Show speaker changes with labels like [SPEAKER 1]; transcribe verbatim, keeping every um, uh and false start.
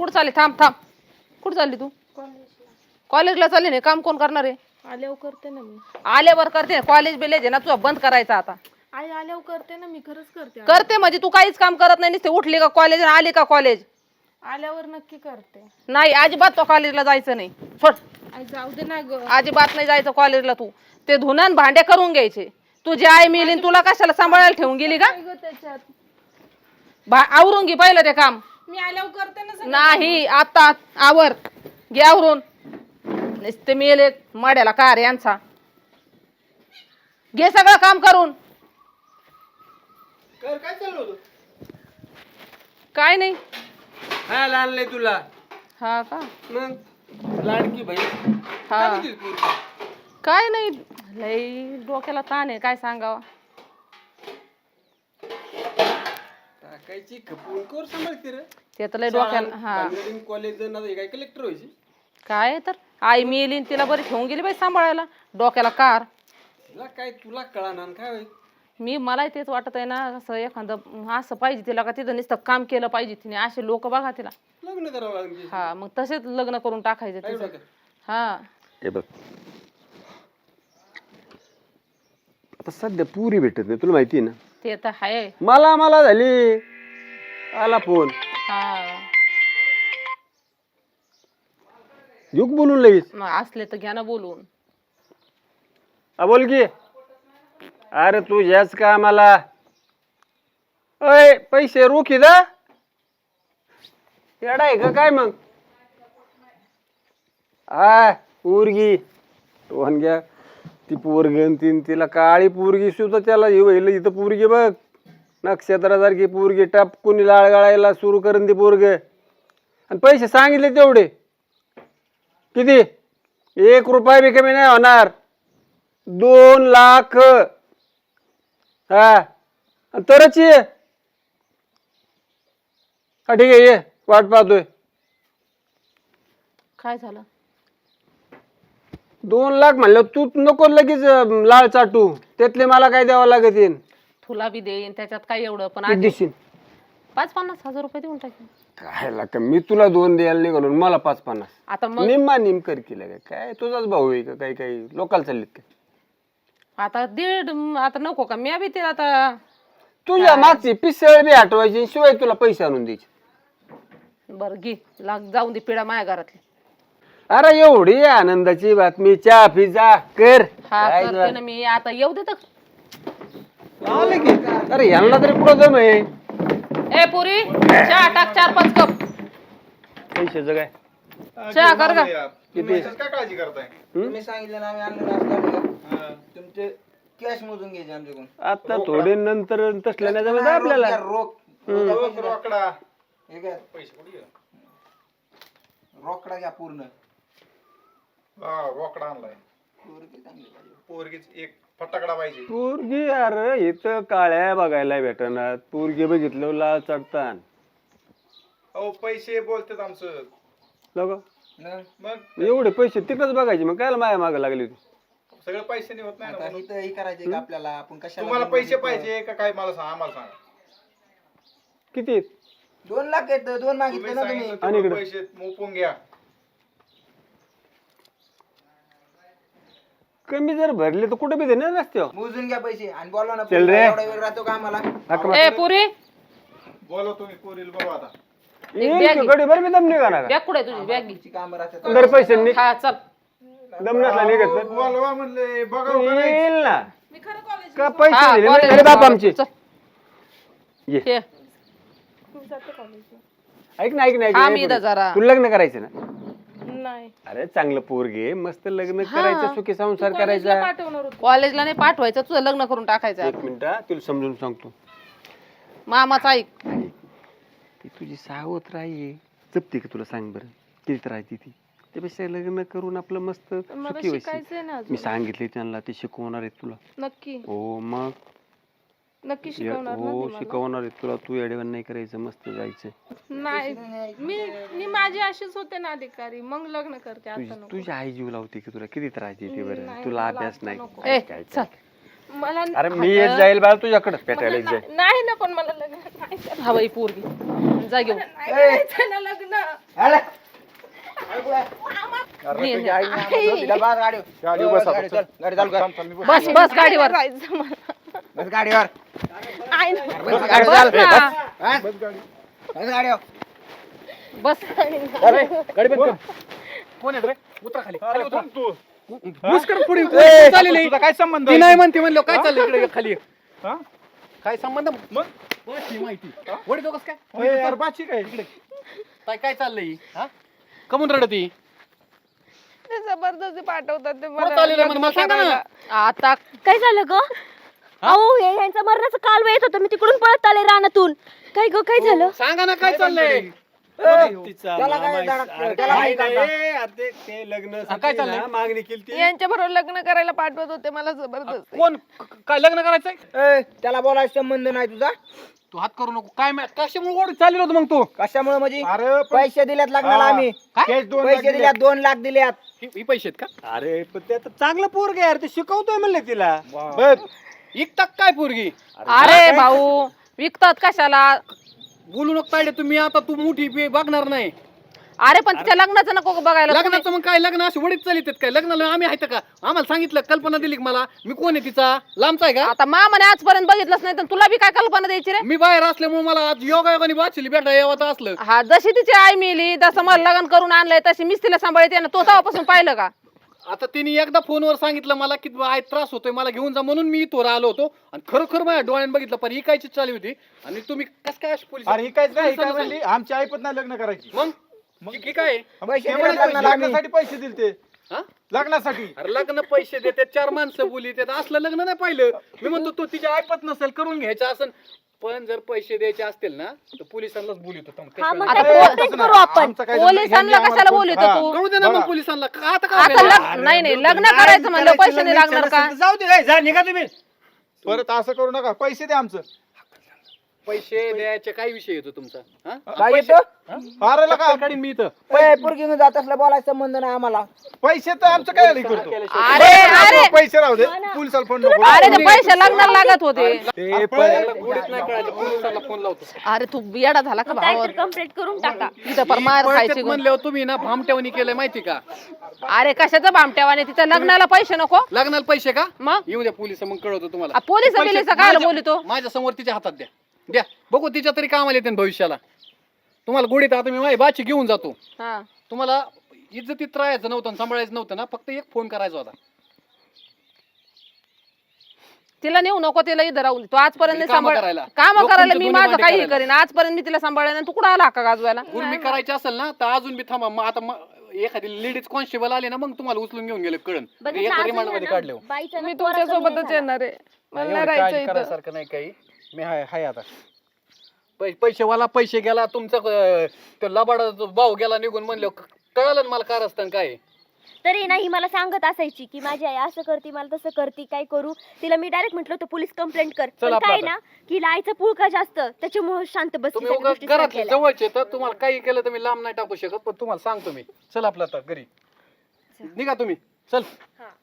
[SPEAKER 1] कुठं चालली थांब थांब कुठं चालली तू कॉलेजला चालली नाही काम कोण करणार आहे
[SPEAKER 2] आल्यावर करते ना मी
[SPEAKER 1] आल्यावर करते कॉलेज बिलेज आहे ना तुझा बंद करायचा आता
[SPEAKER 2] आई आल्यावर करते ना मी खरंच करते
[SPEAKER 1] करते म्हणजे तू काहीच काम करत नाही नुसते उठली का कॉलेज आली का कॉलेज
[SPEAKER 2] आल्यावर नक्की करते
[SPEAKER 1] नाही अजिबात तो कॉलेजला जायचं नाही सोड
[SPEAKER 2] आई जाऊ दे ना ग
[SPEAKER 1] अजिबात नाही जायचं कॉलेजला तू ते धुणं भांडे करून घ्यायचे तुझी आई मिली तुला कशाला सांभाळायला ठेवून गेली का
[SPEAKER 2] त्याच्यात
[SPEAKER 1] भा- आवरून घे पहिलं ते काम
[SPEAKER 2] मी आल्यावर करते ना
[SPEAKER 1] नाही आता आवर घे आवरून नुसते मेले माड्याला कार यांचा घे सगळं काम करून
[SPEAKER 3] कर काय चाललं होतं
[SPEAKER 1] काय नाही
[SPEAKER 3] हा आणलंय तुला
[SPEAKER 1] हा का
[SPEAKER 3] मग लाडकी बहीण
[SPEAKER 1] हा
[SPEAKER 3] काय म्हणते पोरगी?
[SPEAKER 1] काय नाही लई डोक्याला ताण आहे काय सांगावं
[SPEAKER 3] टाकायची खपून कोर सांभाळते रे
[SPEAKER 1] ते तर लई डोक्याला हा
[SPEAKER 3] कॉलेज काय कलेक्टर व्हायची
[SPEAKER 1] काय तर आई मिली न तिला बरी ठेवून गेली बाई सांभाळायला डोक्याला कार
[SPEAKER 3] तुला काय तुला कळणार काय होईल
[SPEAKER 1] मी मला तेच वाटत आहे ना असं एखादं असं पाहिजे तिला का तिथं नुसतं काम केलं पाहिजे तिने असे लोक बघा तिला
[SPEAKER 3] लग्न करावं लागेल
[SPEAKER 1] हा मग तसेच लग्न करून टाकायचं
[SPEAKER 3] काय
[SPEAKER 1] तिचं
[SPEAKER 3] डोक्यात?
[SPEAKER 1] हा
[SPEAKER 4] हे बघ आता सध्या पुरी भेटत नाही तुला माहिती आहे ना
[SPEAKER 1] ते तर आहे
[SPEAKER 4] मला मला झाली आला फोन
[SPEAKER 1] हा
[SPEAKER 4] युग बोलून लगेच
[SPEAKER 1] मग असले तर घ्या ना बोलून
[SPEAKER 4] हा बोल की अरे तू याच का मला अय पैसे रोखी दा येडा आहे का काय मग हा पोरगी टोन घ्या ती पोरगन तीन तिला काळी पोरगी सुद्धा त्याला हे व्हायला इथं पोरगी बघ नक्षत्रासारखी पोरगी टप कुणी लाळ गाळायला सुरू करून ती पोरग आणि पैसे सांगितले तेवढे किती एक रुपया बी कमी नाही होणार दोन लाख हा तरच ये हा ठीक आहे ये वाट पाहतोय
[SPEAKER 1] काय झालं
[SPEAKER 4] दोन लाख म्हणलं तू नको लगेच अं, लाळ चाटू त्यातले मला काय द्यावं लागत येईन
[SPEAKER 1] तुला बी देईन त्याच्यात काय एवढं पण आधी
[SPEAKER 4] देशील
[SPEAKER 1] पाच पन्नास हजार रुपये देऊन टाकेन
[SPEAKER 4] काय लाग मी तुला दोन द्यायला निघालो मला पाच पन्नास
[SPEAKER 1] आता मग
[SPEAKER 4] निम्मा निमकर केलं काय काय तुझाच भाऊ आहे का काही काही लोकांना चाललीत काय
[SPEAKER 1] आता दीड आता नको का मी बी तिला आता
[SPEAKER 4] तुझ्या मागची पिसळ बी हटवायची शिवाय तुला पैसे आणून द्यायचे
[SPEAKER 1] बरं घे लाग जाऊन दे पिढा माझ्या घरातली
[SPEAKER 4] अरे एवढी आनंदाची बातमी चहा पिझ्झा कर
[SPEAKER 1] हा
[SPEAKER 4] काय
[SPEAKER 1] करते ना मी आता येऊ दे तर
[SPEAKER 4] आलं की अरे यांना तरी पुढं जम आहे
[SPEAKER 1] ए पुरी चहा टाक चार पाच कप
[SPEAKER 4] पैशाचं काय
[SPEAKER 1] चहा कर का
[SPEAKER 4] किती
[SPEAKER 3] काय काळजी करताय
[SPEAKER 5] तुम्ही सांगितलं ना आम्ही आणलं नसतं तुमचे कॅश मोजून घ्यायचे आमच्याकडून
[SPEAKER 4] आता थोडे नंतर तसल्या नाही जमत आपल्याला
[SPEAKER 5] रोख
[SPEAKER 3] रोख रोकडा
[SPEAKER 5] हे घ्या
[SPEAKER 3] पैसे कुठे गेले?
[SPEAKER 5] रोकडा घ्या पूर्ण
[SPEAKER 3] हा रोकडा आणलाय
[SPEAKER 5] पोरगी चांगली पाहिजे.
[SPEAKER 3] पोरगीच एक फटाकडा पाहिजे
[SPEAKER 4] पोरगी अरे इथं काळ्या बघायला भेटणार पोरगी बघितलं लाल चढतान
[SPEAKER 3] अहो पैसे बोलतात आमचं
[SPEAKER 4] लोक
[SPEAKER 5] न?
[SPEAKER 3] मग
[SPEAKER 4] एवढे पैसे तिकडच बघायचे मग काय माया मागे लागली होती
[SPEAKER 3] सगळं पैसे होत नाही ना
[SPEAKER 5] आता
[SPEAKER 3] म्हणून.
[SPEAKER 5] इथं हे करायचंय का आपल्याला आपण कशाला
[SPEAKER 3] तुम्हाला
[SPEAKER 5] बोलू
[SPEAKER 3] पैसे
[SPEAKER 5] इथं?
[SPEAKER 3] पाहिजे का काय मला सांगा आम्हाला सांगा
[SPEAKER 4] किती
[SPEAKER 5] दोन लाख आहेत दोन
[SPEAKER 3] तुम्ही
[SPEAKER 5] मागितले ना तुम्ही
[SPEAKER 3] सांगितलं
[SPEAKER 4] आणि
[SPEAKER 3] तेवढे
[SPEAKER 4] इकडं?
[SPEAKER 3] पैसे मोपून घ्या
[SPEAKER 4] कमी जर भरले तर कुठे बी देणार रस्त्यावर
[SPEAKER 5] मोजून घ्या पैसे आणि बोलवा ना
[SPEAKER 4] चल रे.
[SPEAKER 5] एवढा वेळ राहतो का आम्हाला
[SPEAKER 4] हाक
[SPEAKER 1] ए पुरी
[SPEAKER 3] बोला तुम्ही पोरील बघू आता
[SPEAKER 4] येईल की गडी बरं मी दम निघा ना
[SPEAKER 1] बॅग कुठे आहे तुझी बॅग
[SPEAKER 5] ची कामं राहतात
[SPEAKER 4] दर पैसे नि-
[SPEAKER 1] हा चल
[SPEAKER 4] दम नसला निघत तर.
[SPEAKER 3] बोलवा म्हणले बघा का नाही?
[SPEAKER 4] येईल ना
[SPEAKER 2] मी खरं कॉलेज
[SPEAKER 4] का पैसे
[SPEAKER 1] हा,
[SPEAKER 4] दिले नाही
[SPEAKER 1] कॉलेज
[SPEAKER 4] अरे बाप आमचे
[SPEAKER 1] चल.
[SPEAKER 4] ये
[SPEAKER 1] हे,
[SPEAKER 2] मी जाते कॉलेजला
[SPEAKER 4] ऐक ना ऐक ना ऐक
[SPEAKER 1] हा,
[SPEAKER 4] ना,
[SPEAKER 1] मी
[SPEAKER 4] ऐक
[SPEAKER 1] इथं
[SPEAKER 4] ना.
[SPEAKER 1] जरा.
[SPEAKER 4] तू लग्न करायचं ना
[SPEAKER 2] नाही
[SPEAKER 4] अरे चांगलं पोरगे मस्त लग्न करायचं सुखी संसार
[SPEAKER 2] कॉलेजला
[SPEAKER 4] करायचा
[SPEAKER 2] पाठवणार होतो
[SPEAKER 1] कॉलेजला नाही पाठवायचं तुझं लग्न करून टाकायचं
[SPEAKER 4] एक मिनिट हा, तुला समजून सांगतो
[SPEAKER 1] मामाचा ऐक
[SPEAKER 4] ती तुझी सावत्र आहे जपते का तुला सांग बरं किती राहते ती त्यापेक्षा लग्न करून आपलं मस्त
[SPEAKER 2] मला
[SPEAKER 4] सुखी व्हायचं
[SPEAKER 2] शिकायचंय ना
[SPEAKER 4] मी
[SPEAKER 2] अजून
[SPEAKER 4] सांगितले त्यांना ते शिकवणार आहेत तुला
[SPEAKER 2] नक्की
[SPEAKER 4] हो मग
[SPEAKER 2] नक्की
[SPEAKER 4] ये-
[SPEAKER 2] शिकवणार ना
[SPEAKER 4] हो
[SPEAKER 2] ते मला?
[SPEAKER 4] शिकवणार आहेत तुला तू एडेवन नाही करायचं मस्त जायचं
[SPEAKER 2] नाही मी मी माझी अशीच होते ना अधिकारी मग लग्न करते
[SPEAKER 4] तुझी
[SPEAKER 2] आता नको
[SPEAKER 4] तुझी आई जीव लावते की तुला किती त्रास देते बरं
[SPEAKER 2] नाही,
[SPEAKER 4] तुला
[SPEAKER 2] मला
[SPEAKER 4] अभ्यास
[SPEAKER 2] आता
[SPEAKER 4] नाही
[SPEAKER 2] नको.
[SPEAKER 4] काय
[SPEAKER 1] ए
[SPEAKER 4] काय
[SPEAKER 1] चल
[SPEAKER 4] काय.
[SPEAKER 2] मला
[SPEAKER 4] अरे मी येत जाईल बाळा तुझ्याकडेच
[SPEAKER 2] मला
[SPEAKER 4] पेटायला येत जाईल
[SPEAKER 2] नाही नाही ना पण मला लग्न नाही करायचं.
[SPEAKER 1] हवाई पोरगी जा घेऊन
[SPEAKER 2] नाही करायचं ना लग्न.
[SPEAKER 5] आला.
[SPEAKER 1] ये, ये.
[SPEAKER 5] तिला बाहेर गाडी
[SPEAKER 6] गाडी बसा,
[SPEAKER 5] गाडी चल, गाडी चालू कर.
[SPEAKER 1] बस बस गाडीवर
[SPEAKER 2] जायचं मला.
[SPEAKER 5] बस गाडीवर
[SPEAKER 2] आई ना.
[SPEAKER 5] बस गाडी
[SPEAKER 1] बस
[SPEAKER 5] चाल.
[SPEAKER 1] ना.
[SPEAKER 5] हा? बस गाडीवर
[SPEAKER 1] बस
[SPEAKER 6] गाडी बंद कर.
[SPEAKER 3] कोण आहे रे उतरा खाली
[SPEAKER 6] अरे कोण तू
[SPEAKER 3] मुस्कर पुढे
[SPEAKER 6] ए,
[SPEAKER 3] चाललेली
[SPEAKER 6] तुझा काय संबंध
[SPEAKER 3] ती नाही म्हणते म्हणलं काय चाललं इकडे खाली
[SPEAKER 6] हा?
[SPEAKER 3] काय संबंध
[SPEAKER 6] मग
[SPEAKER 3] बस ही माहिती वडी दोघस काय
[SPEAKER 6] ए, यार बाची काय इकडे
[SPEAKER 3] काय काय चाललंय हा कमून रडती
[SPEAKER 2] ते जबरदस्ती पाठवतात ते
[SPEAKER 3] कुठं चाललेलं मला मला सांगा ना
[SPEAKER 1] आता
[SPEAKER 7] काय झालं ग अहो हे यांचा मरणाचा काल येत होता मी तिकडून पळत आले रानातून काय ग काय झालं
[SPEAKER 3] सांगा ना काय चाललंय
[SPEAKER 5] त्याला काय धडक- त्याला काय करता?
[SPEAKER 4] ते लग्न
[SPEAKER 3] हा, काय चाललंय?
[SPEAKER 4] मागणी केली
[SPEAKER 2] यांच्या बरोबर लग्न करायला पाठवत होते मला जबरदस्ती.
[SPEAKER 3] कोण क- काय लग्न करायचंय
[SPEAKER 5] ए, त्याला बोलायचा संबंध नाही तुझा
[SPEAKER 3] तू हात करू नको काय मा- कशामुळे ओढ चाललेलं होतं मग तू
[SPEAKER 5] कशामुळे म्हणजे
[SPEAKER 6] अरे पण-
[SPEAKER 5] पैसे दिल्यात लग्नाला
[SPEAKER 6] हा.
[SPEAKER 5] आम्ही
[SPEAKER 6] केस दोन
[SPEAKER 5] पैसे
[SPEAKER 6] लागले.
[SPEAKER 5] दिल्यात दोन लाख दिल्यात
[SPEAKER 3] ही ही पैसे आहेत का
[SPEAKER 4] अरे पण ते आता चांगलं पोरग यार ते शिकवतोय म्हणलं तिला
[SPEAKER 6] बघ,
[SPEAKER 3] इकतात काय पोरगी
[SPEAKER 1] अरे भाऊ विकतात कशाला
[SPEAKER 3] बोलू नको तायडे तुम्ही आता तू मोठी बी- बघणार नाही
[SPEAKER 1] अरे पण तिच्या लग्नाचं नको का बघायला तुम्ही?
[SPEAKER 3] लग्नाचं मग काय लग्न अशी वडीत चालित काय लग्नाला आम्ही आहेत का आम्हाला सांगितलं कल्पना दिली का मला मी कोण आहे तिचा लांबचा आहे का
[SPEAKER 1] आता मामाने आजपर्यंत बघितलंच नाही तर तुला बी काय कल्पना द्यायची रे
[SPEAKER 3] मी बाहेर असल्यामुळे मला आज योगा योगाने वाचली बेटा यावं असलं
[SPEAKER 1] हा जशी तिची आई मिली जसं मला लग्न करून आणलंय तशी मीच तिला सांभाळते ना तो तेव्हापासून पाहिलं का
[SPEAKER 3] आता तिने एकदा फोनवर सांगितलं मला की आय त्रास होतोय मला घेऊन जा म्हणून मी इथवर आलो होतो आणि खरोखर माझ्या डोळ्याने बघितलं पण ही कायची चालली होती आणि तुम्ही कस काय अशी पोलीस
[SPEAKER 6] अरे ही काहीच नाही ही काय म्हणली आमची आई पण नाही लग्न करायची
[SPEAKER 3] मग मग ही काय
[SPEAKER 5] पैसे
[SPEAKER 6] ते
[SPEAKER 5] दिल्यात
[SPEAKER 6] म्हणे
[SPEAKER 5] लग्नाला आम्ही
[SPEAKER 6] लग्नासाठी पैसे दिले ते
[SPEAKER 3] हा?
[SPEAKER 6] लग्नासाठी
[SPEAKER 3] अरे लग्न पैसे देते चार माणसं बोली ते असलं लग्न नाही पाहिलं मी म्हणतो तो तिच्या ऐपत नसेल करून घ्यायचं असं पण जर पैसे द्यायचे असतील ना तर पोलिसांनाच बोलित होता
[SPEAKER 7] हा मग
[SPEAKER 1] आता
[SPEAKER 7] काय
[SPEAKER 1] पो-
[SPEAKER 7] तेच करू आपण
[SPEAKER 6] आमचं काय झालं?
[SPEAKER 1] पोलिसांना
[SPEAKER 6] ह्यांनी आम्हाला
[SPEAKER 1] कशाला
[SPEAKER 6] फोन-
[SPEAKER 1] बोलतो
[SPEAKER 6] हा.
[SPEAKER 1] तू
[SPEAKER 3] कळू दे ना मग
[SPEAKER 6] बघा.
[SPEAKER 3] पोलिसांना का आता
[SPEAKER 1] आता
[SPEAKER 3] काय
[SPEAKER 1] लग्न नाही नाही लग्न करायचं म्हणलं पैसे नाही लागणार का
[SPEAKER 4] जाऊ दे जा निघा तुम्ही
[SPEAKER 6] परत असं करू नका पैसे द्या आमचं
[SPEAKER 3] पैसे द्यायचे काय विषय येतो तुमचा हा?
[SPEAKER 5] काय येतो
[SPEAKER 6] अरे लका
[SPEAKER 3] चप्पल काढीन मी इथं
[SPEAKER 5] पोरगी घेऊन जात असलं बोलायचा संबंध नाही आम्हाला
[SPEAKER 6] पैसे तर आमचं काय नाही करतो
[SPEAKER 1] अरे अरे
[SPEAKER 6] पैसे राहू दे पोलिसाला फोन नको
[SPEAKER 1] अरे ते पैसे लग्नाला लागत होते
[SPEAKER 4] ते पण
[SPEAKER 3] गोडीत नाही कळायचं पोलिसांना फोन लावतो
[SPEAKER 1] अरे तू येडा झाला का भावा
[SPEAKER 7] काहीतरी कंप्लीट करून टाका
[SPEAKER 1] तिथं पर मार खायची गो.
[SPEAKER 3] म्हणल्यावर तुम्ही ना भामट्यावणी केलंय माहिती का
[SPEAKER 1] अरे कशाचं भामट्यावाने तिच्या लग्नाला पैसे नको
[SPEAKER 3] लग्नाला पैसे का
[SPEAKER 1] मग
[SPEAKER 3] येऊ द्या पोलिस मग कळवतो तुम्हाला
[SPEAKER 1] आ, पोलिस
[SPEAKER 3] पैसे
[SPEAKER 1] बिलिस काय
[SPEAKER 3] माझ्या-
[SPEAKER 1] बोलतो
[SPEAKER 3] माझ्या समोर तिच्या हातात द्या द्या बघू तिच्या तरी कामाला येते ना भविष्याला तुम्हाला गोडीत आता मी माझी बाची घेऊन जातो
[SPEAKER 1] हा
[SPEAKER 3] तुम्हाला इज्जतीत राहायचं नव्हतं आणि सांभाळायचं नव्हतं ना फक्त एक फोन करायचा होता
[SPEAKER 1] तिला नेऊ नको तिला इथं राहून दे. तू आजपर्यंत
[SPEAKER 3] कामं
[SPEAKER 1] सांभाळ
[SPEAKER 3] करायला.
[SPEAKER 1] काम
[SPEAKER 3] लोक
[SPEAKER 1] करायला
[SPEAKER 3] तुमचे
[SPEAKER 1] मी
[SPEAKER 3] दोन्ही
[SPEAKER 1] माझं
[SPEAKER 3] भांडे
[SPEAKER 1] काही
[SPEAKER 3] करायला.
[SPEAKER 1] करीन आजपर्यंत मी तिला सांभाळलं तू कुठं आला का गाजवायला
[SPEAKER 3] उर्मी करायची असेल ना तर अजून बी थांबा मग आता मग एखादी लेडीज कॉन्स्टेबल आले ना मग तुम्हाला उचलून घेऊन गेले कळण
[SPEAKER 7] बघितलं
[SPEAKER 3] एका
[SPEAKER 7] असं
[SPEAKER 3] रिमांड मध्ये
[SPEAKER 7] ना,
[SPEAKER 3] काढले
[SPEAKER 7] बाईचा ना
[SPEAKER 2] मी
[SPEAKER 7] पोरा
[SPEAKER 2] तुमच्या
[SPEAKER 7] कमी नाही
[SPEAKER 2] सोबतच
[SPEAKER 7] झाला.
[SPEAKER 2] येणार आहे मला नाही
[SPEAKER 3] एवढं
[SPEAKER 2] राहायचं
[SPEAKER 3] काळजी
[SPEAKER 2] इथं.
[SPEAKER 3] करायसारखं नाही काही मी हाय हाय आता पै- पैसेवाला पैसे गेला तुमचा अं, तो लबाडा जो भाऊ गेला निघून म्हणलं कळालं ना मला कार असतं काय
[SPEAKER 7] तरी नाही मला सांगत असायची की माझी आई असं करते मला तसं करते काय करू तिला मी डायरेक्ट म्हटलं होतं पोलीस कंप्लेंट कर
[SPEAKER 3] चल
[SPEAKER 7] पण
[SPEAKER 3] आपलं
[SPEAKER 7] काय
[SPEAKER 3] आता.
[SPEAKER 7] ना की लायचं पुळका जास्त त्याच्यामुळे शांत बसली
[SPEAKER 3] तुम्ही
[SPEAKER 7] सगळ्या
[SPEAKER 3] उगाच
[SPEAKER 7] गोष्टी
[SPEAKER 3] घरातले
[SPEAKER 7] सांगितलेल्या.
[SPEAKER 3] जवळचे तर तुम्हाला काही केलं तर मी लांब नाही टाकू शकत पण तुम्हाला सांगतो मी चल आपलं आता घरी निघा तुम्ही चल